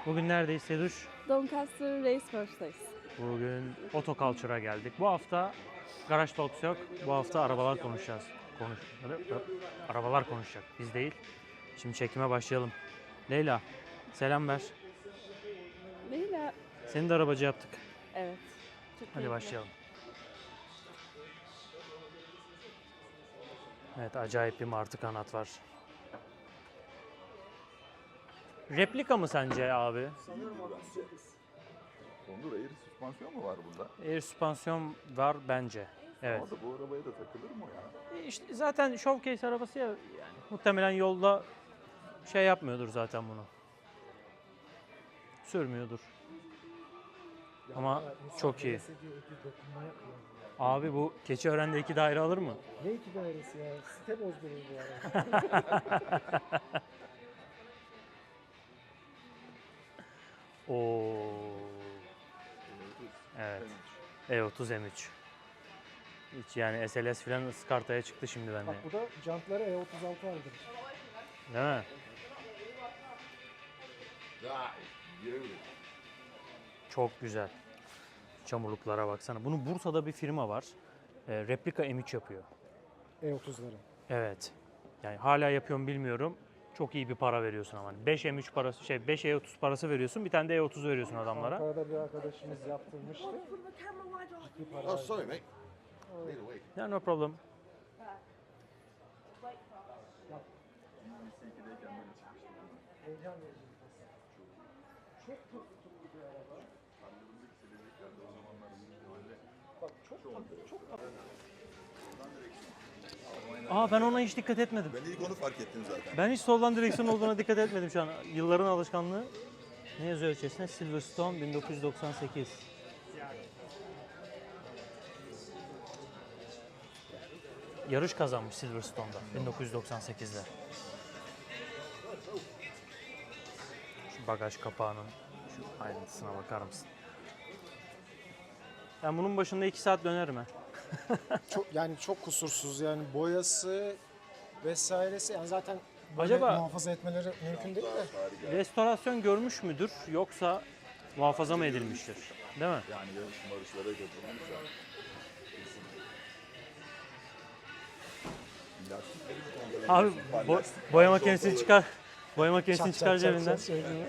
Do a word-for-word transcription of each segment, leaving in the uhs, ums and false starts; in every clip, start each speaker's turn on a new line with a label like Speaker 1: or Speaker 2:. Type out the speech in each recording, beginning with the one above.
Speaker 1: Bugün neredeyiz Seduş?
Speaker 2: Doncaster Racecourse'dayız.
Speaker 1: Bugün Otoculture'a geldik. Bu hafta Garaj Talks yok. Bu hafta arabalar konuşacağız. Konuş. Arabalar konuşacak. Biz değil. Şimdi çekime başlayalım. Leyla, selam ver.
Speaker 2: Leyla.
Speaker 1: Seni de arabacı yaptık.
Speaker 2: Evet. Çok
Speaker 1: Hadi
Speaker 2: keyifli.
Speaker 1: başlayalım. Evet, acayip bir martı kanat var. Replika mı sence abi?
Speaker 3: Sanırım bence. Onur air süspansiyon mu var burada?
Speaker 1: Air süspansiyon var bence. Evet.
Speaker 3: Ama da bu arabaya da takılır mı o ya?
Speaker 1: E İşte zaten showcase arabası ya, yani muhtemelen yolda şey yapmıyordur zaten bunu. Sürmüyordur. Ama çok iyi. Abi bu Keçiören'de iki daire alır mı?
Speaker 4: Ne iki dairesi ya? Site bozdurur bu arada.
Speaker 1: Oo. Evet. E otuz M üç. Hiç yani S L S falan ıskartaya çıktı şimdi bende.
Speaker 4: Bak bu da jantları E otuz altı aldı.
Speaker 1: Değil mi?
Speaker 3: Ya, yürü.
Speaker 1: Çok güzel. Çamurluklara baksana. Bunun Bursa'da bir firma var. E, replika M üç yapıyor.
Speaker 4: E otuzları.
Speaker 1: Evet. Yani hala yapıyorum bilmiyorum. Çok iyi bir para veriyorsun ama. beş M üç parası, şey beş E otuz parası veriyorsun. Bir tane de E otuz veriyorsun adamlara.
Speaker 4: Ankara'da bir arkadaşımız yaptırmıştı. Ciddi para
Speaker 3: Oh,
Speaker 4: verdi.
Speaker 3: sorry mate. Need to wait.
Speaker 1: Ya no problem.
Speaker 4: Heyecan verici. Çok çok tutuklu bir araba. Bak çok tatlı, çok tatlı.
Speaker 1: Aa, ben ona hiç dikkat etmedim.
Speaker 3: Ben ilk onu fark ettim zaten.
Speaker 1: Ben hiç soldan direksiyon olduğuna dikkat etmedim şu an. Yılların alışkanlığı. Ne yazıyor içerisinde? Silverstone bin dokuz yüz doksan sekiz. Yarış kazanmış Silverstone'da bin dokuz yüz doksan sekizde. Şu bagaj kapağının şu ayrıntısına bakar mısın? Ben bunun başında iki saat dönerim ha.
Speaker 4: Çok yani çok kusursuz yani boyası vesairesi yani zaten böyle
Speaker 1: Acaba-
Speaker 4: muhafaza etmeleri mümkün değil de.
Speaker 1: Restorasyon görmüş müdür yoksa muhafaza mı edilmiştir? Değil mi?
Speaker 3: Yani yarış marışlara götürmüşler. Lastikleri kontrol
Speaker 1: Abi
Speaker 3: ediyorsun.
Speaker 1: bo-
Speaker 3: Lastik
Speaker 1: boya
Speaker 3: varmış
Speaker 1: makinesini
Speaker 3: ortada.
Speaker 1: çıkar. Boya makinesini
Speaker 4: Çat
Speaker 1: çıkar
Speaker 4: çat çat
Speaker 1: cebinden.
Speaker 4: çat söylüyor.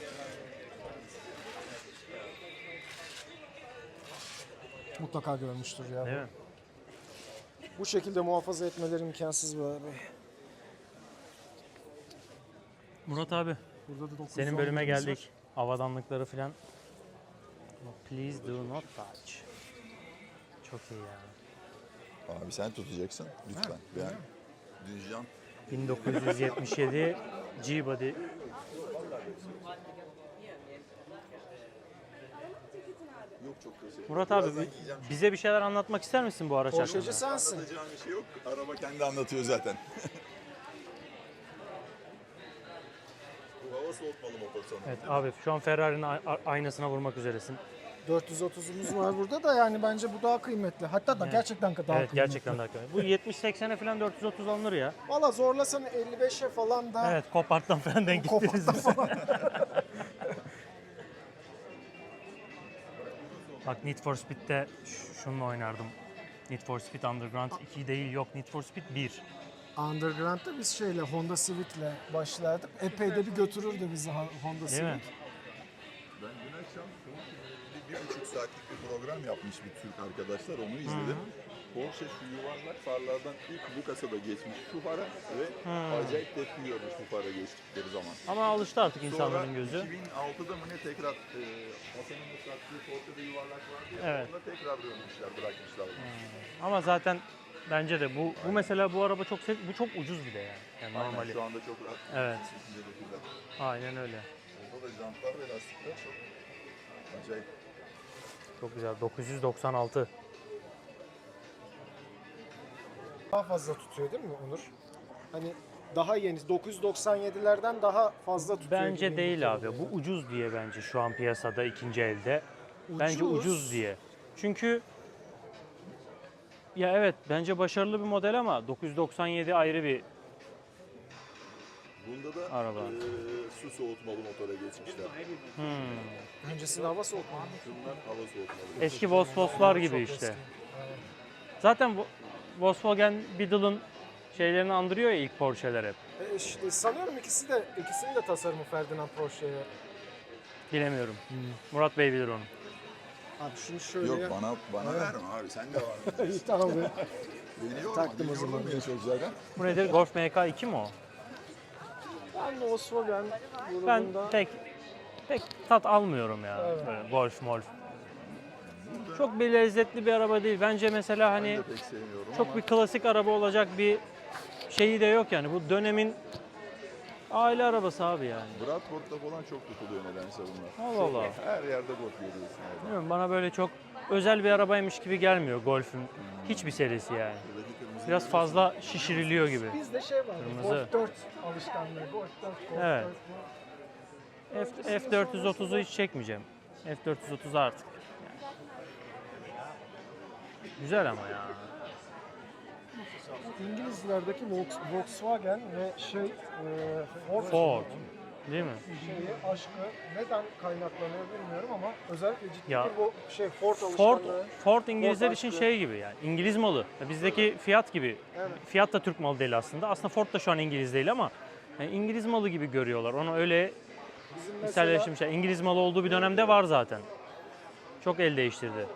Speaker 4: Mutlaka görmüştür ya.
Speaker 1: Değil mi?
Speaker 4: Bu şekilde muhafaza etmeleri imkansız bu abi.
Speaker 1: Murat abi,
Speaker 4: Burada da dokuz yüz
Speaker 1: senin
Speaker 4: on
Speaker 1: bölüme
Speaker 4: birimiz
Speaker 1: geldik. Havadanlıkları filan. Please do not touch. Çok iyi ya.
Speaker 3: Abi sen tutacaksın lütfen. Ben Düzcan
Speaker 1: bin dokuz yüz yetmiş yedi G-Body.
Speaker 3: yok çok teşekkür.
Speaker 1: Murat abi
Speaker 3: Birazdan
Speaker 1: bi-
Speaker 3: giyeceğim.
Speaker 1: bize bir şeyler anlatmak ister misin bu araç
Speaker 4: Porsche'ci
Speaker 1: hakkında?
Speaker 4: sensin.
Speaker 3: Anlatacağım bir şey yok. Araba kendi anlatıyor zaten. Bu hava soğutmalı motor sanırım.
Speaker 1: Evet abi, şu an Ferrari'nin a- a- aynasına vurmak üzeresin.
Speaker 4: dört yüz otuzumuz var burada da yani bence bu daha kıymetli. Hatta da gerçekten daha
Speaker 1: Evet,
Speaker 4: kıymetli.
Speaker 1: gerçekten daha kötü. Bu yetmiş seksene falan dört yüz otuz alınır ya.
Speaker 4: Valla zorlasan elli beşe falan da
Speaker 1: Evet, Copart'tan falan denk gittiniz.
Speaker 4: Copart'tan falan.
Speaker 1: Bak Need for Speed'de ş- şununla oynardım. Need for Speed Underground iki değil, yok Need for Speed bir.
Speaker 4: Underground'da biz şeyle Honda Civic'le başlardık. Epey de bir götürürdü bizi Ha- Honda
Speaker 1: Değil
Speaker 4: Civic.
Speaker 1: mi?
Speaker 3: Ben dün akşam bir, bir buçuk saatlik bir program yapmış bir Türk arkadaşlar, onu izledim. Porsche şu yuvarlak farlardan ilk bu kasada geçmiş şu fara ve acayip tepki görmüş bu fara geçtikleri zaman.
Speaker 1: Ama alıştı artık
Speaker 3: Sonra
Speaker 1: insanların gözü.
Speaker 3: iki bin altıda mı ne tekrar e, Hasan'ın ıslattığı Porsche'de yuvarlak vardı ya,
Speaker 1: Evet.
Speaker 3: onda tekrar dönmüşler, bırakmışlar bunu.
Speaker 1: Ama zaten bence de bu bu mesela bu araba çok se- bu çok ucuz bir de yani. Yani
Speaker 3: Aynen,
Speaker 1: normali.
Speaker 3: şu anda çok rahat.
Speaker 1: Evet.
Speaker 3: bir şekilde götürdüler.
Speaker 1: Aynen öyle.
Speaker 3: Orada da jantlar ve lastikler çok acayip.
Speaker 1: Çok güzel. dokuz yüz doksan altı.
Speaker 4: Daha fazla tutuyor değil mi Onur? Hani daha yeni dokuz yüz doksan yedilerden daha fazla tutuyor.
Speaker 1: Bence
Speaker 4: gibi
Speaker 1: değil
Speaker 4: geliyor
Speaker 1: abi.
Speaker 4: ya.
Speaker 1: Bu ucuz diye bence şu an piyasada ikinci elde. Bence
Speaker 4: Ucuz.
Speaker 1: ucuz diye. Çünkü ya evet, bence başarılı bir model ama dokuz yüz doksan yedi ayrı bir
Speaker 3: Bunda da
Speaker 1: Araba.
Speaker 3: e, su soğutmalı motora geçmişler.
Speaker 1: Hmm.
Speaker 4: Öncesinde hava soğutmalı.
Speaker 3: Şunlar hava soğutmalı.
Speaker 1: Eski Vosvoslar gibi
Speaker 4: Çok
Speaker 1: işte.
Speaker 4: eski. Evet.
Speaker 1: Zaten Vo- Volkswagen Beetle'ın şeylerini andırıyor ya ilk Porsche'ler hep.
Speaker 4: E, işte, sanıyorum ikisi de ikisinin de tasarımı Ferdinand Porsche'ye.
Speaker 1: Bilemiyorum. Murat Bey bilir onu.
Speaker 4: Abi şunu şöyle
Speaker 3: Yok
Speaker 4: ya.
Speaker 3: bana bana verme abi sen de var.
Speaker 4: İyi, tamam be.
Speaker 3: Beni yorma.
Speaker 4: Taktım
Speaker 3: beni
Speaker 4: o zaman.
Speaker 3: yorma çok zaten.
Speaker 1: Bu nedir? Golf M K iki mi o?
Speaker 4: Ben de Volkswagen
Speaker 1: Ben
Speaker 4: grubunda
Speaker 1: pek pek tat almıyorum ya.
Speaker 4: Evet.
Speaker 1: Böyle golf molf. Çok bir lezzetli bir araba değil. Bence mesela
Speaker 3: Ben
Speaker 1: hani
Speaker 3: de pek sevmiyorum
Speaker 1: çok
Speaker 3: ama
Speaker 1: bir klasik araba olacak bir şeyi de yok yani. Bu dönemin aile arabası abi yani.
Speaker 3: Bradford'da falan çok tutuluyor nedense bunlar.
Speaker 1: Allah Allah.
Speaker 3: Her yerde golf görüyorsun orada.
Speaker 1: Bilmiyorum, bana böyle çok özel bir arabaymış gibi gelmiyor Golf'ün hiçbir serisi yani.
Speaker 3: Buradaki kırmızı
Speaker 1: Biraz fazla şişiriliyor gibi.
Speaker 4: bizde şey var.
Speaker 1: Kırmızı.
Speaker 4: Golf dört alışkanlığı. Golf dört, Golf
Speaker 1: Evet.
Speaker 4: dört bu.
Speaker 1: F, F dört yüz otuzu hiç çekmeyeceğim. F dört yüz otuz artık. Yani. Güzel ama ya.
Speaker 4: İngilizlerdeki Volks- Volkswagen ve şey e, Ford,
Speaker 1: Ford. Değil mi?
Speaker 4: şeyi, aşkı neden kaynaklanıyor bilmiyorum ama özellikle ciddi
Speaker 1: Ya,
Speaker 4: bir bu şey Ford
Speaker 1: Ford,
Speaker 4: alışkanlığı.
Speaker 1: Ford İngilizler
Speaker 4: Ford
Speaker 1: için
Speaker 4: aşkı.
Speaker 1: şey gibi yani İngiliz malı. Bizdeki Fiat gibi.
Speaker 4: Evet.
Speaker 1: Fiat da Türk malı değil aslında. Aslında Ford da şu an İngiliz değil ama yani İngiliz malı gibi görüyorlar. Onu öyle
Speaker 4: Bizim mesela
Speaker 1: içselleştirmişler. İngiliz malı olduğu bir dönemde var zaten. Çok el değiştirdi.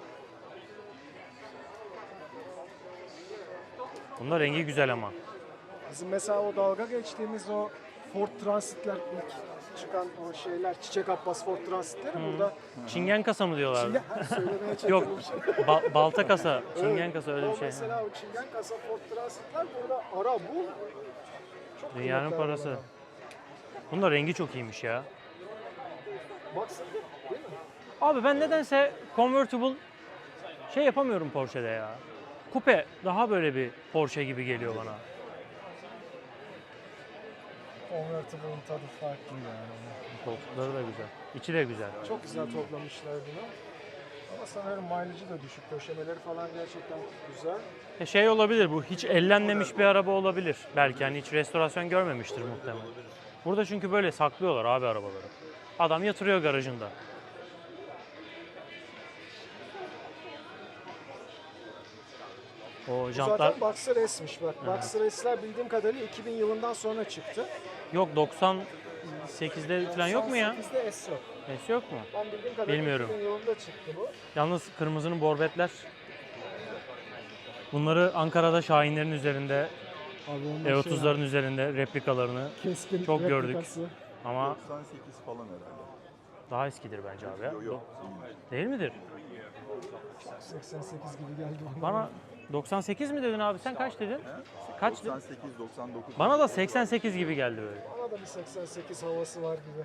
Speaker 1: Bunda rengi güzel ama.
Speaker 4: bizim mesela o dalga geçtiğimiz o Ford Transit'ler ilk çıkan o şeyler Çiçek Abbas Ford Transit'leri burada
Speaker 1: Çingen kasa mı diyorlar?
Speaker 4: Çingen, söylemeye
Speaker 1: Yok,
Speaker 4: çekindim.
Speaker 1: ba- balta kasa, çingen
Speaker 4: Evet.
Speaker 1: kasa öyle bir
Speaker 4: O
Speaker 1: şey.
Speaker 4: mesela o Çingen kasa Ford Transit'ler burada ara bul. Çok
Speaker 1: Dünyanın
Speaker 4: kıymetli
Speaker 1: parası.
Speaker 4: arabalar.
Speaker 1: Bunun da rengi çok iyiymiş ya.
Speaker 4: Baksana değil mi?
Speaker 1: Abi ben nedense convertible şey yapamıyorum Porsche'de ya. Kupe daha böyle bir Porsche gibi geliyor bana.
Speaker 4: Convertible'ın tadı farklı yani.
Speaker 1: Koltukları da güzel. İçi de güzel.
Speaker 4: Çok güzel toplamışlar bunu. Ama sanırım mileage'ı da düşük. Döşemeleri falan gerçekten güzel.
Speaker 1: E şey olabilir, bu hiç ellenmemiş bir araba olabilir. Belki hani hiç restorasyon görmemiştir muhtemelen. Burada çünkü böyle saklıyorlar abi arabaları. Adam yatırıyor garajında. O
Speaker 4: Bu
Speaker 1: jantlar
Speaker 4: zaten Boxer S'miş bak. Boxer S'ler bildiğim kadarıyla iki bin yılından sonra çıktı.
Speaker 1: yok doksan sekizde falan yok mu ya?
Speaker 4: doksan sekizde S yok.
Speaker 1: Nesi yok mu?
Speaker 4: Ben bildiğim kadarıyla
Speaker 1: Bilmiyorum.
Speaker 4: iki bin yılında çıktı bu.
Speaker 1: Yalnız kırmızının borbetler. Bunları Ankara'da Şahinlerin üzerinde,
Speaker 4: Abi
Speaker 1: E otuzların üzerinde replikalarını
Speaker 4: keskin
Speaker 1: çok gördük.
Speaker 4: replikası.
Speaker 1: ama
Speaker 3: doksan sekiz falan herhalde.
Speaker 1: daha eskidir bence abi ya.
Speaker 3: Yok yok.
Speaker 1: Değil midir?
Speaker 4: seksen sekiz gibi geldi bana.
Speaker 1: Bana doksan sekiz mi dedin abi? Sen kaç dedin? Kaç dedin?
Speaker 3: doksan sekiz doksan dokuz.
Speaker 1: Bana da seksen sekiz gibi geldi böyle.
Speaker 4: Bana da bir seksen sekiz havası var gibi.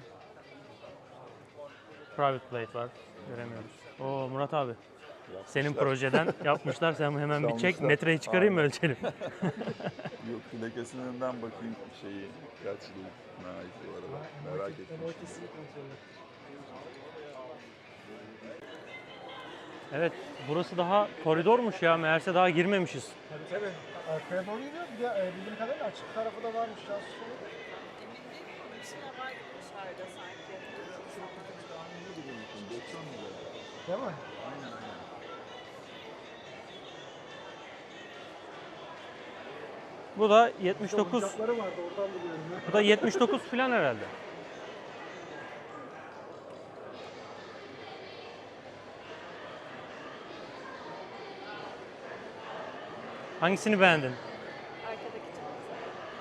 Speaker 1: Private plate var. Göremiyoruz. Oo Murat abi. Senin projeden yapmışlar. Sen hemen bir çek.
Speaker 3: Çalmışlar.
Speaker 1: Metreyi çıkarayım mı
Speaker 3: Aynen.
Speaker 1: ölçelim?
Speaker 3: Yok plakasından bakayım şeyi kaç yılına ait bu arada. Merak ettim.
Speaker 4: Ben o ikisini kontrol ettim.
Speaker 1: Evet. Burası daha koridormuş ya. Meğerse daha girmemişiz.
Speaker 4: Tabii tabii. Arkaya doğru gidiyor. Bir de e, bildiğim kadarıyla açık tarafı da varmış. Ya.
Speaker 3: doksan lira.
Speaker 4: Değil mi?
Speaker 1: Bu da yetmiş dokuz.
Speaker 4: Oyuncakları vardı oradan biliyorum ya.
Speaker 1: Bu da yetmiş dokuz falan herhalde. Hangisini beğendin?
Speaker 2: Arkadaki çok güzel.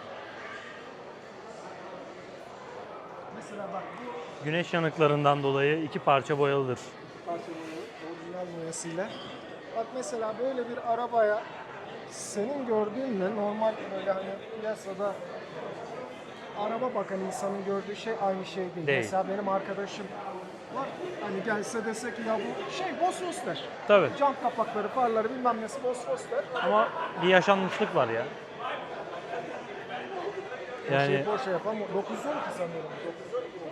Speaker 4: Mesela bak bu
Speaker 1: Güneş yanıklarından dolayı iki parça boyalıdır.
Speaker 4: parça boyu orijinal boyasıyla. Bak mesela böyle bir arabaya senin gördüğünle normal böyle hani piyasada araba bakan insanın gördüğü şey aynı şey değil.
Speaker 1: Değil.
Speaker 4: Mesela benim arkadaşım var. Hani gelse desek ya bu şey Bosphorus der.
Speaker 1: Tabii.
Speaker 4: Cam kapakları, farları bilmem nesi Bosphorus der.
Speaker 1: Ama bir yaşanmışlık var ya.
Speaker 4: Yani şey
Speaker 1: Yani
Speaker 4: Porsche yapan dokuz yüz on iki sanıyorum. dokuz yüz on iki.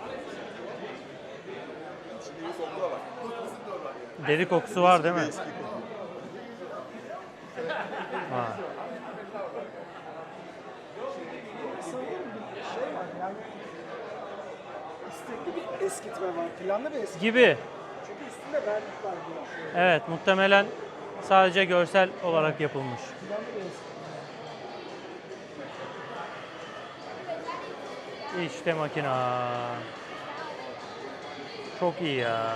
Speaker 3: İçinde bir sonunda var.
Speaker 1: deri kokusu var değil mi?
Speaker 3: Eski kokuyor.
Speaker 1: Ha.
Speaker 4: Sanıyorum bir şey eskitme var. Planlı bir eskitme.
Speaker 1: Gibi.
Speaker 4: Çünkü üstünde vernik var diyor.
Speaker 1: Evet, muhtemelen sadece görsel olarak yapılmış.
Speaker 4: Planlı bir eskitme.
Speaker 1: İşte makina. Çok iyi ya.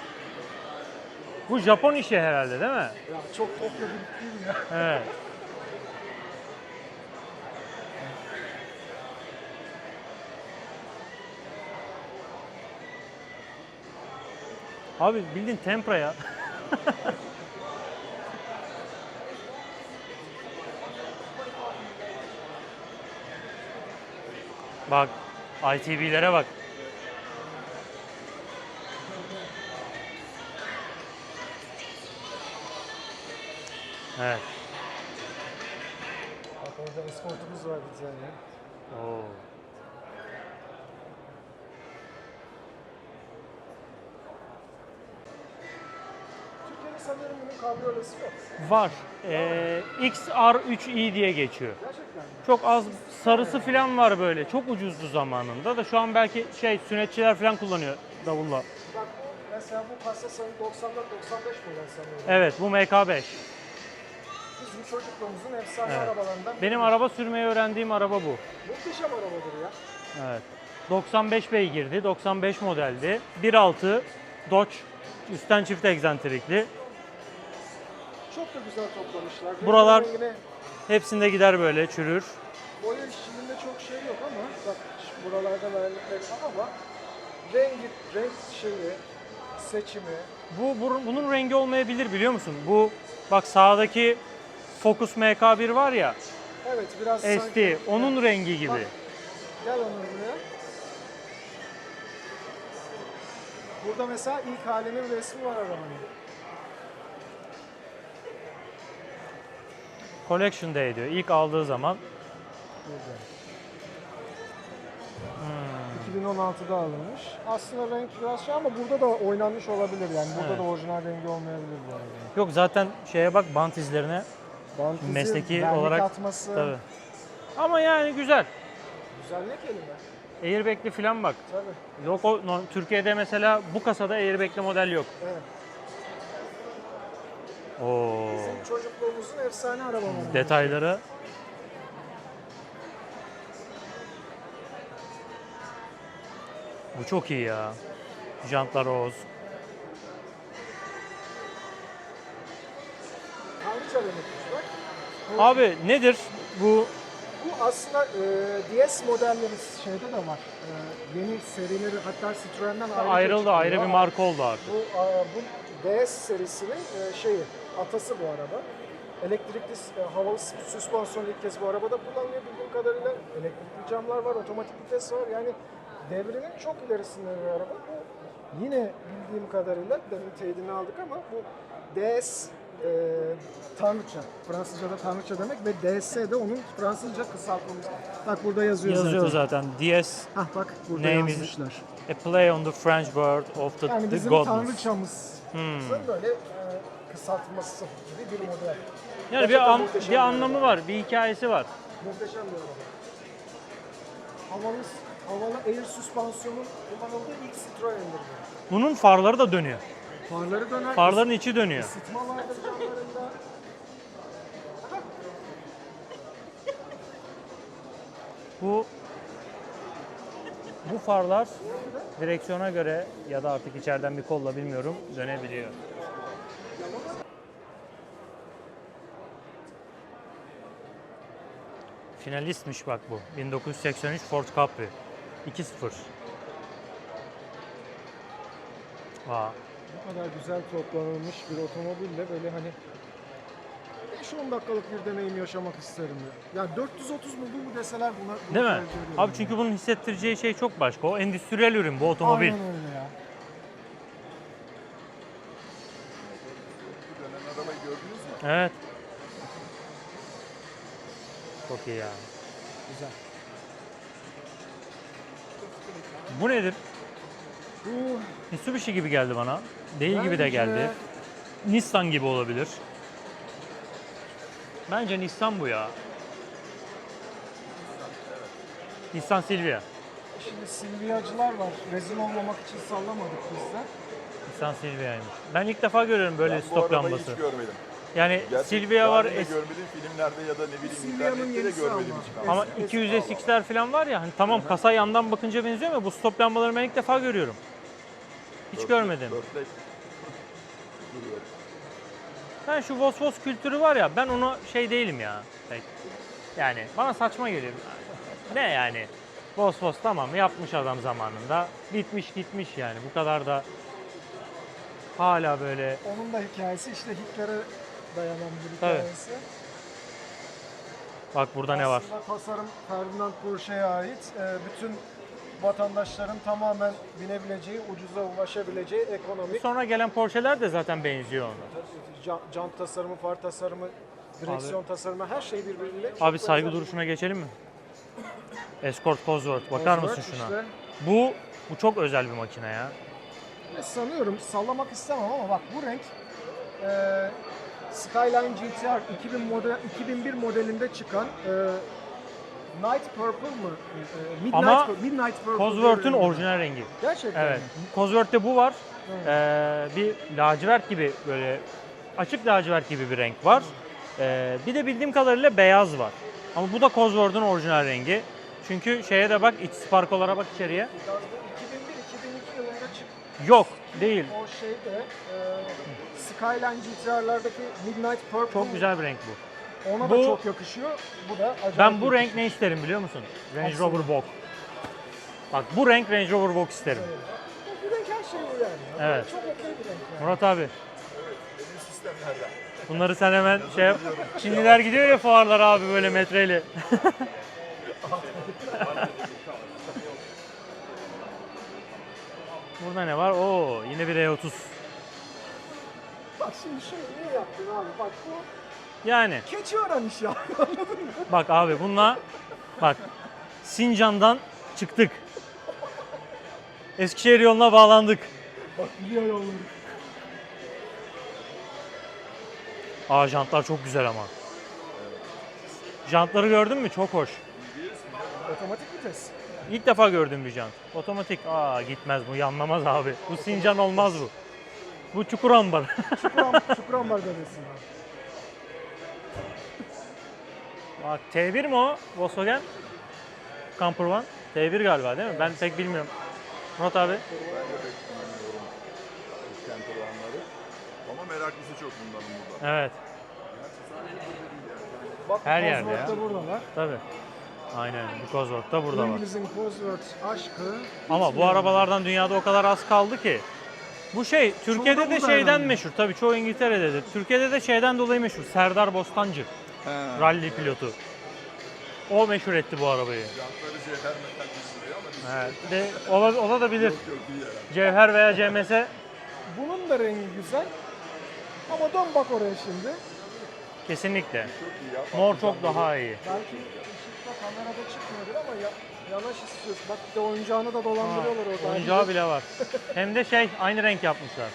Speaker 1: Bu Japon işi herhalde değil mi?
Speaker 4: Ya çok Tokyo gibi değil ya.
Speaker 1: Evet. Abi bildiğin tempra ya. Bak, I T B'lere bak. Evet.
Speaker 4: Bak orada eskortumuz var bir tane.
Speaker 1: Oo.
Speaker 4: Türkiye'de sanırım bunun kabriyolesi yok.
Speaker 1: Var. Ee, X R üç i diye geçiyor.
Speaker 4: Gerçekten mi?
Speaker 1: Çok az sarısı falan var böyle. Çok ucuzdu zamanında da şu an belki şey sünnetçiler falan kullanıyor davulla.
Speaker 4: Bak bu mesela bu kasa sanırım doksan dört doksan beş model sanıyorum.
Speaker 1: Evet, bu M K beş.
Speaker 4: Bizim çocukluğumuzun efsane
Speaker 1: Evet.
Speaker 4: arabalarından.
Speaker 1: Benim
Speaker 4: biri.
Speaker 1: araba sürmeyi öğrendiğim araba bu.
Speaker 4: Muhteşem arabadır ya.
Speaker 1: Evet. doksan beş beygirdi, doksan beş modeldi. bir nokta altı Dodge, üstten çift egzantrikli.
Speaker 4: Çok da güzel toplamışlar. Rengi
Speaker 1: Buralar-
Speaker 4: rengine,
Speaker 1: Hepsinde gider böyle, çürür.
Speaker 4: boya işçiliğinde çok şey yok ama bak şu buralarda vernikleri var ama rengi, renk şeyi, seçimi.
Speaker 1: Bu, bu bunun rengi olmayabilir biliyor musun? Bu bak sağdaki Focus M K bir var ya,
Speaker 4: Evet biraz
Speaker 1: S
Speaker 4: sanki-
Speaker 1: T, onun rengi gibi.
Speaker 4: Bak. Gel Onur buraya. Burada mesela ilk halinin resmi var arabanın.
Speaker 1: Collection Day diyor. İlk aldığı zaman.
Speaker 4: Burada.
Speaker 1: Hmm.
Speaker 4: iki bin on altıda alınmış. Aslında renk biraz şey ama burada da oynanmış olabilir yani. Burada
Speaker 1: Evet.
Speaker 4: da orijinal rengi olmayabilir bu arada.
Speaker 1: Yok zaten şeye bak, bant izlerine.
Speaker 4: Bant izi,
Speaker 1: Mesleki
Speaker 4: vernik
Speaker 1: olarak-
Speaker 4: atması.
Speaker 1: Tabii. Ama yani güzel.
Speaker 4: Güzel ne kelime?
Speaker 1: Airbag'li falan bak.
Speaker 4: Tabii.
Speaker 1: Yok o no- Türkiye'de mesela bu kasada airbag'li model yok.
Speaker 4: Evet.
Speaker 1: Oo.
Speaker 4: Bizim çocukluğumuzun efsane arabaları.
Speaker 1: Detayları. Bu çok iyi ya. Jantlar Oğuz.
Speaker 4: Tanrıça demekmiş bak. Bu,
Speaker 1: Abi nedir bu?
Speaker 4: bu aslında e, D S modelleri şeyde de var. E, yeni serileri hatta Citroen'den ayrı
Speaker 1: Ayrıldı, ayrı bir marka oldu artık.
Speaker 4: Bu, e, bu D S serisinin e, şeyi, atası bu araba. Elektrikli e, havalı süspansiyon ilk kez bu arabada kullanılıyor bildiğim kadarıyla. Elektrikli camlar var, otomatik vites var. Yani devrinin çok ilerisinde bir araba. Bu yine bildiğim kadarıyla, demin teyidini aldık ama bu D S e, Tanrıça. Fransızca'da Tanrıça demek ve D S de onun Fransızca kısaltmamız. Bak burada yazıyor,
Speaker 1: Yazıyor
Speaker 4: zaten.
Speaker 1: zaten. D S
Speaker 4: Hah bak burada
Speaker 1: Name is-
Speaker 4: yazmışlar.
Speaker 1: a play on the French word of the,
Speaker 4: Yani
Speaker 1: the
Speaker 4: bizim
Speaker 1: goddess.
Speaker 4: Tanrıçamız.
Speaker 1: Hmm.
Speaker 4: Böyle e, kısaltması gibi bir model.
Speaker 1: Yani bir,
Speaker 4: Gerçekten
Speaker 1: an-
Speaker 4: muhteşem
Speaker 1: bir
Speaker 4: bir
Speaker 1: anlamı
Speaker 4: araba.
Speaker 1: var, bir hikayesi var.
Speaker 4: Muhteşem bir araba. Havalı, havalı air süspansiyonun kullanıldığı ilk Citroen'dir bu.
Speaker 1: Bunun farları da dönüyor.
Speaker 4: Farları döner.
Speaker 1: Farların içi dönüyor.
Speaker 4: Isıtma vardır camlarında.
Speaker 1: Bu bu farlar direksiyona göre ya da artık içeriden bir kolla bilmiyorum dönebiliyor. Finalistmiş bak bu. bin dokuz yüz seksen üç Ford Capri. iki sıfır. Aa,
Speaker 4: Bu kadar güzel toplanılmış bir otomobille böyle hani beş on dakikalık bir deneyim yaşamak isterim ya. Ya dört yüz otuz buldum mu deseler buna, bunu
Speaker 1: değil mi?
Speaker 4: tercih ediyorum
Speaker 1: Abi
Speaker 4: ya.
Speaker 1: çünkü bunun hissettireceği şey çok başka. O endüstriyel ürün bu otomobil.
Speaker 4: Aynen öyle ya.
Speaker 3: Bu dönen arabayı gördünüz mü?
Speaker 1: Evet. Çok iyi ya.
Speaker 4: Güzel.
Speaker 1: Bu nedir?
Speaker 4: Bu
Speaker 1: Mitsubishi gibi geldi bana. Değil gibi de
Speaker 4: bence
Speaker 1: geldi. Nissan gibi olabilir. Bence Nissan bu ya. Nissan Silvia.
Speaker 4: Şimdi Silvia'cılar var. Rezil olmamak için sallamadık biz de.
Speaker 1: Nissan Silvia'ymış. Ben ilk defa görüyorum böyle
Speaker 3: Ben bu
Speaker 1: stop
Speaker 3: arabayı
Speaker 1: lambası.
Speaker 3: hiç görmedim.
Speaker 1: Yani
Speaker 3: Gerçi
Speaker 1: Silvia var
Speaker 3: daha önce
Speaker 1: es-
Speaker 3: görmedim filmlerde ya da ne bileyim
Speaker 4: Silvia'nın
Speaker 3: internette de
Speaker 4: yenisi
Speaker 3: görmedim
Speaker 4: ama.
Speaker 3: hiç.
Speaker 1: ama
Speaker 4: Eski-
Speaker 1: iki yüz S X'ler falan var ya hani tamam kasa yandan bakınca benziyor ama bu stop lambaları ben ilk defa görüyorum. Hiç
Speaker 3: Dörtlek-
Speaker 1: görmedim.
Speaker 3: dörtlek duruyor.
Speaker 1: Ben şu Vos Vos kültürü var ya ben ona şey değilim ya. Pek. Yani bana saçma geliyor. Ne yani? Vos Vos tamam yapmış adam zamanında. Bitmiş gitmiş yani bu kadar da hala böyle.
Speaker 4: Onun da hikayesi işte Hitler'e dayanan bir
Speaker 1: Tabii.
Speaker 4: hikayesi.
Speaker 1: Bak burada ne var?
Speaker 4: Aslında tasarım Ferdinand Porsche'ye ait. Ee, bütün vatandaşların tamamen binebileceği, ucuza ulaşabileceği ekonomik
Speaker 1: Sonra gelen Porsche'ler de zaten benziyor ona.
Speaker 4: can, jant tasarımı, far tasarımı, direksiyon tasarımı her şey birbiriyle çok
Speaker 1: Abi saygı
Speaker 4: benzer.
Speaker 1: duruşuna geçelim mi? Escort Cosworth bakar mısın
Speaker 4: Cosworth
Speaker 1: şuna?
Speaker 4: işte.
Speaker 1: Bu bu çok özel bir makine ya.
Speaker 4: Ve sanıyorum sallamak istemem ama bak bu renk e, Skyline G T R iki bin model, iki bin bir modelinde çıkan e, Night Purple mı? E, Midnight,
Speaker 1: Ama
Speaker 4: Pur- Midnight Purple.
Speaker 1: Cosworth'un
Speaker 4: diye bir rengi.
Speaker 1: orijinal rengi.
Speaker 4: Gerçekten
Speaker 1: Evet.
Speaker 4: mi?
Speaker 1: Cosworth'te bu var.
Speaker 4: Evet.
Speaker 1: Ee, bir lacivert gibi böyle açık lacivert gibi bir renk var. Ee, bir de bildiğim kadarıyla beyaz var. Ama bu da Cosworth'un orijinal rengi. Çünkü şeye de bak iç sparkolara bak içeriye.
Speaker 4: Biraz bu iki bin bir iki bin iki yılında çıktı.
Speaker 1: Yok değil.
Speaker 4: O şeyde e, Skyline G T R'lardaki Midnight Purple
Speaker 1: Çok güzel bir renk bu.
Speaker 4: ona
Speaker 1: Bu-
Speaker 4: da çok yakışıyor. Bu da acayip
Speaker 1: Ben bu renk
Speaker 4: yakışıyor.
Speaker 1: ne isterim biliyor musun? Range
Speaker 4: Aslında.
Speaker 1: Rover Vogue. Bak bu renk Range Rover Vogue isterim.
Speaker 4: Bu renk her şey bu yani.
Speaker 1: Evet.
Speaker 4: Çok okey bir renk yani.
Speaker 1: Murat abi
Speaker 3: Benim sistemlerden.
Speaker 1: bunları sen hemen şey yap. Çinliler gidiyor ya fuarlara abi böyle metreyle. Burada ne var? Oo yine bir E otuz.
Speaker 4: Bak şimdi şunu niye yaptın abi? Bak bu
Speaker 1: Yani
Speaker 4: keçi öğrenmiş ya.
Speaker 1: bak abi bununla bak Sincan'dan çıktık. Eskişehir yoluna bağlandık.
Speaker 4: Bak biliyor yolları.
Speaker 1: Aa jantlar çok güzel ama. Jantları gördün mü? Çok hoş.
Speaker 4: Otomatik vites.
Speaker 1: İlk defa gördüğüm bir jant. Otomatik. Aa gitmez bu, yanlamaz abi. Bu Sincan olmaz bu. Bu çukur ambar.
Speaker 4: Çukuram, Çukurambar bebesi.
Speaker 1: Bak T bir mi o? Volkswagen? Camper One. T bir galiba değil mi? Ben pek bilmiyorum. Murat abi.
Speaker 3: Ben de pek bilmiyorum bu camper vanları. Ama meraklısı çok bunların burada.
Speaker 1: Evet.
Speaker 4: Bak
Speaker 1: Her yerde
Speaker 4: Cosworth
Speaker 1: ya.
Speaker 4: da buradalar.
Speaker 1: Tabii. Aynen. Bu Cosworth da burada var.
Speaker 4: İngiliz'in Cosworth aşkı.
Speaker 1: Ama bu
Speaker 4: bitmiyor.
Speaker 1: arabalardan dünyada o kadar az kaldı ki. Bu şey Türkiye'de
Speaker 4: Çoğu da
Speaker 1: de
Speaker 4: burada
Speaker 1: şeyden
Speaker 4: herhalde.
Speaker 1: meşhur. Tabii çoğu İngiltere'dedir. Türkiye'de de şeyden dolayı meşhur. Serdar Bostancı.
Speaker 3: He.
Speaker 1: Rally pilotu. O meşhur etti bu arabayı.
Speaker 3: Jantları cevher metal düşünüyor ama biz
Speaker 1: Evet. De, ola, ola da bilir.
Speaker 3: yok yok değil herhalde.
Speaker 1: Cevher veya C M S
Speaker 4: Bunun da rengi güzel. Ama dön bak oraya şimdi.
Speaker 1: kesinlikle.
Speaker 3: Çok iyi ya.
Speaker 1: Mor çok daha iyi.
Speaker 4: Belki ışıkta kamerada çıkmıyordur ama ya, yanaş istiyorsun. Bak bir de oyuncağını da dolandırıyorlar orada.
Speaker 1: Oyuncağı bile var. Hem de şey aynı renk yapmışlar.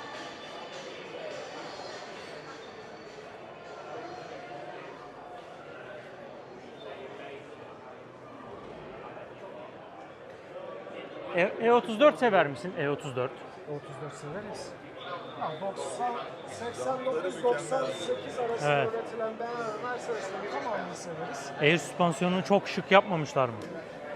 Speaker 1: E- E34 sever misin? E otuz dört.
Speaker 4: otuz dört severiz. Ya doksan, seksen dokuz doksan sekiz arasında
Speaker 1: Evet.
Speaker 4: üretilen B M W Mercedes'in tamamını severiz.
Speaker 1: Air süspansiyonunu çok şık yapmamışlar mı?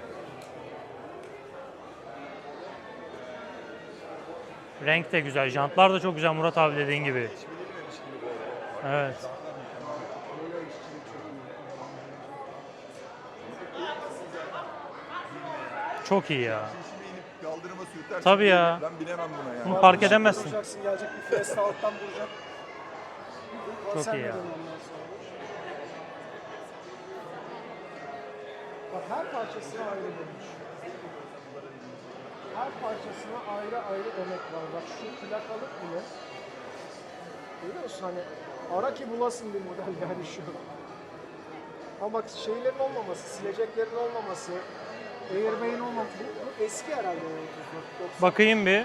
Speaker 1: Renk de güzel, jantlar da çok güzel Murat abi dediğin gibi. Evet. Çok iyi ya.
Speaker 3: Şimdi inip kaldırıma sürtersin.
Speaker 1: Tabii ya.
Speaker 3: Ben binemem buna yani.
Speaker 1: Bunu park edemezsin.
Speaker 4: Duracaksın, gelecek bir Fiesta alttan vuracak.
Speaker 1: Çok iyi ya.
Speaker 4: Bak her parçasına ayrı bölmüş. Her parçasına ayrı ayrı emek var. Bak şu plakalık bile. Görüyor musun hani ara ki bulasın bir model yani şu. Ama bak şeylerin olmaması, sileceklerin olmaması, airbag'in olmaması. Bu, bu eski herhalde. doksan.
Speaker 1: Bakayım bir.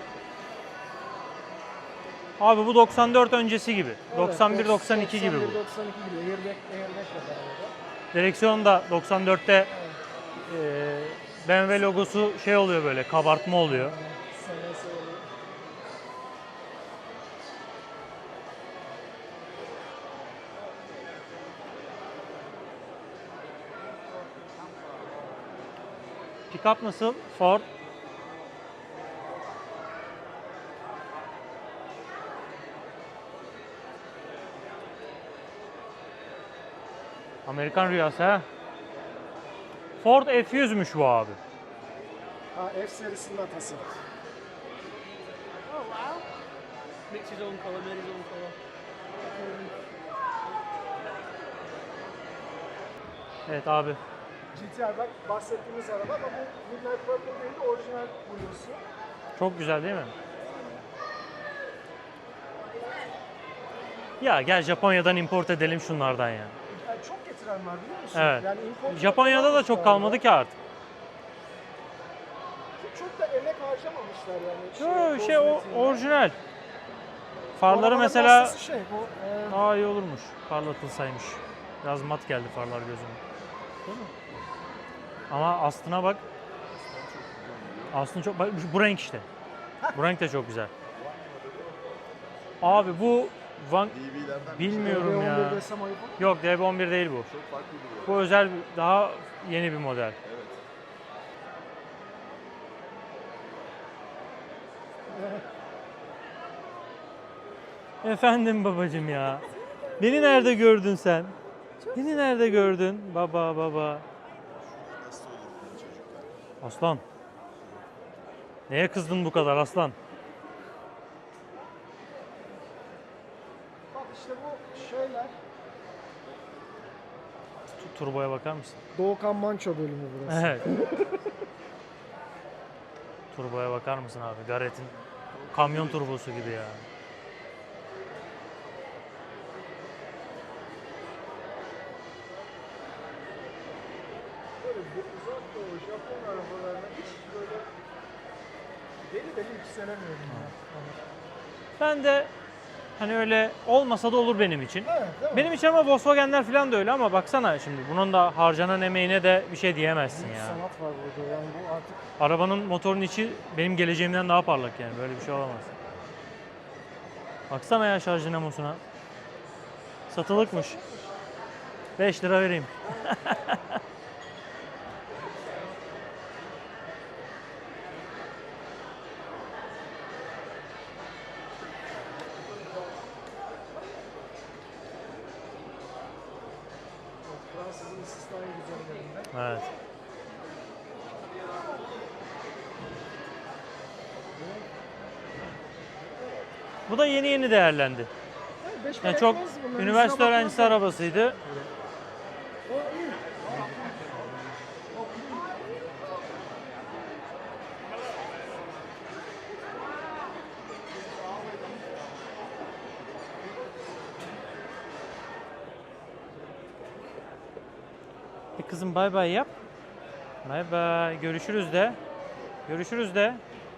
Speaker 1: Abi bu doksan dört öncesi gibi.
Speaker 4: Evet,
Speaker 1: doksan bir doksan iki gibi
Speaker 4: doksan
Speaker 1: bu.
Speaker 4: bir doksan iki gibi. Airbag, airbag var arada.
Speaker 1: Direksiyon da doksan dörtte e, B M W logosu şey oluyor böyle, kabartma oluyor.
Speaker 4: Sana söyleyeyim.
Speaker 1: Pickup nasıl? Ford. Amerikan rüyası ha. Ford F yüzmüş bu abi.
Speaker 4: Ha, F serisinin atası.
Speaker 2: Oh wow.
Speaker 5: Makes his own colour, made his own colour.
Speaker 1: Evet abi.
Speaker 4: G T R bak bahsettiğimiz araba ama bu Midnight Purple değil de orijinal bluesu.
Speaker 1: Çok güzel değil mi? Ya gel Japonya'dan import edelim şunlardan ya.
Speaker 4: Yani çok getiren var biliyor musun?
Speaker 1: Evet.
Speaker 4: Yani import
Speaker 1: Japonya'da da
Speaker 4: yapmamışlar
Speaker 1: çok kalmadı
Speaker 4: ya.
Speaker 1: ki artık.
Speaker 4: Çok da emek harcamamışlar
Speaker 1: Yo,
Speaker 4: yani.
Speaker 1: şey o
Speaker 4: kozmetiğinde.
Speaker 1: orijinal.
Speaker 4: Bu
Speaker 1: Farları
Speaker 4: arabanın
Speaker 1: mesela
Speaker 4: hastası şey bu. E,
Speaker 1: daha iyi olurmuş. Parlatılsaymış. Biraz mat geldi farlar gözüme. Değil mi? Ama aslına bak. Aslında çok bak bu renk işte. Bu renk de çok güzel. Abi bu Van
Speaker 3: D V'lerden
Speaker 1: bilmiyorum
Speaker 4: D B on bir
Speaker 1: ya.
Speaker 4: desem ayıp olur.
Speaker 1: Yok D B on bir değil bu.
Speaker 3: çok farklı duruyor.
Speaker 1: Bu özel bir- daha yeni bir model.
Speaker 3: Evet.
Speaker 1: Efendim babacım ya. Beni nerede gördün sen? Beni nerede gördün? Baba baba.
Speaker 3: Nasıl olur bu çocuklar?
Speaker 1: Aslan. Neye kızdın bu kadar aslan?
Speaker 4: Bak işte bu şeyler.
Speaker 1: Tu- Turboya bakar mısın?
Speaker 4: Doğukan Manço bölümü burası.
Speaker 1: Evet. Turboya bakar mısın abi? Garrett'in kamyon turbosu gibi ya.
Speaker 4: Böyle bu uzak doğu Japon arabalarına hiç böyle deli deli yükselemiyorum ya.
Speaker 1: Ben de hani öyle olmasa da olur benim için.
Speaker 4: Evet değil mi?
Speaker 1: Benim için ama Volkswagen'ler falan da öyle ama baksana şimdi bunun da harcanan emeğine de bir şey diyemezsin
Speaker 4: Büyük
Speaker 1: ya.
Speaker 4: sanat var burada yani bu artık
Speaker 1: Arabanın motorun içi benim geleceğimden daha parlak yani böyle bir şey olamaz. Baksana ya şarj dinamosuna. Satılıkmış. beş lira vereyim.
Speaker 4: Fransız'ın istisnai güzelliğinde.
Speaker 1: Evet. Bu da yeni yeni değerlendi.
Speaker 4: Yani beş
Speaker 1: Yani
Speaker 4: para
Speaker 1: çok
Speaker 4: etmez bunların,
Speaker 1: üniversite
Speaker 4: üstüne
Speaker 1: öğrencisi
Speaker 4: bakmazlar.
Speaker 1: arabasıydı.
Speaker 4: O iyi.
Speaker 1: E kızım bay bay yap. Bay bay. Görüşürüz de. Görüşürüz de.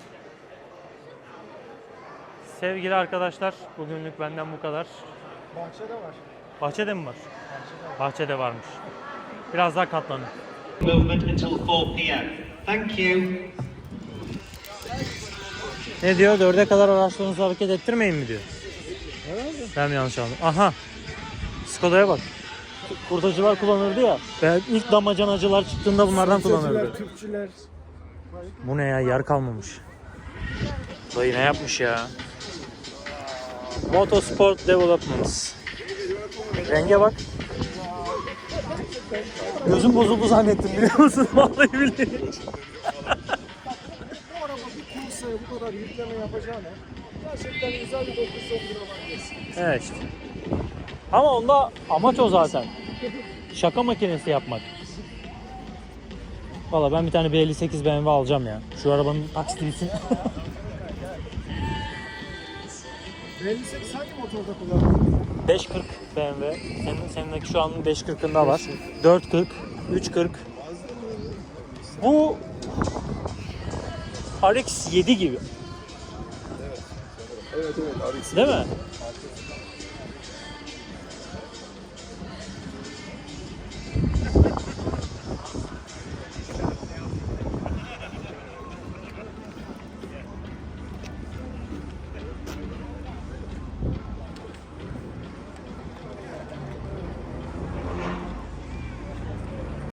Speaker 1: Sevgili arkadaşlar, bugünlük benden bu kadar.
Speaker 4: Bahçede var.
Speaker 1: Bahçede mi var? Bahçede varmış. Biraz daha katlanın.
Speaker 6: Movement until four p m. Thank you.
Speaker 1: Ne diyor? Dörde kadar araçlarınızı hareket ettirmeyin mi diyor?
Speaker 4: Herhalde.
Speaker 1: Ben mi yanlış anladım? Aha. Skoda'ya bak. Kurtacılar kullanırdı ya. Ben ilk damacanacılar çıktığında bunlardan kullanırdı.
Speaker 4: Türkçüler, Türkçüler.
Speaker 1: Bu ne ya? Yer kalmamış. Dayı ne yapmış ya? Motorsport Developments. Renge bak. Gözüm bozuldu zannettim biliyor musun? Vallahi billahi.
Speaker 4: Bu araba bir kursaya bu kadar yükleme yapacağına gerçekten güzel bir dokuz on bir olabilirsin.
Speaker 1: Evet işte. Ama onda amaç o zaten. Şaka makinesi yapmak. Valla ben bir tane B elli sekiz B M W alacağım ya. Şu arabanın taksiti bitsin.
Speaker 4: B elli sekiz hangi motorda kullandın?
Speaker 1: beş kırk B M W. Senin, senindeki şu an beş kırkında var. dört kırk, üç kırk. Bu R X yedi gibi.
Speaker 3: Evet evet Arix.
Speaker 1: Değil mi?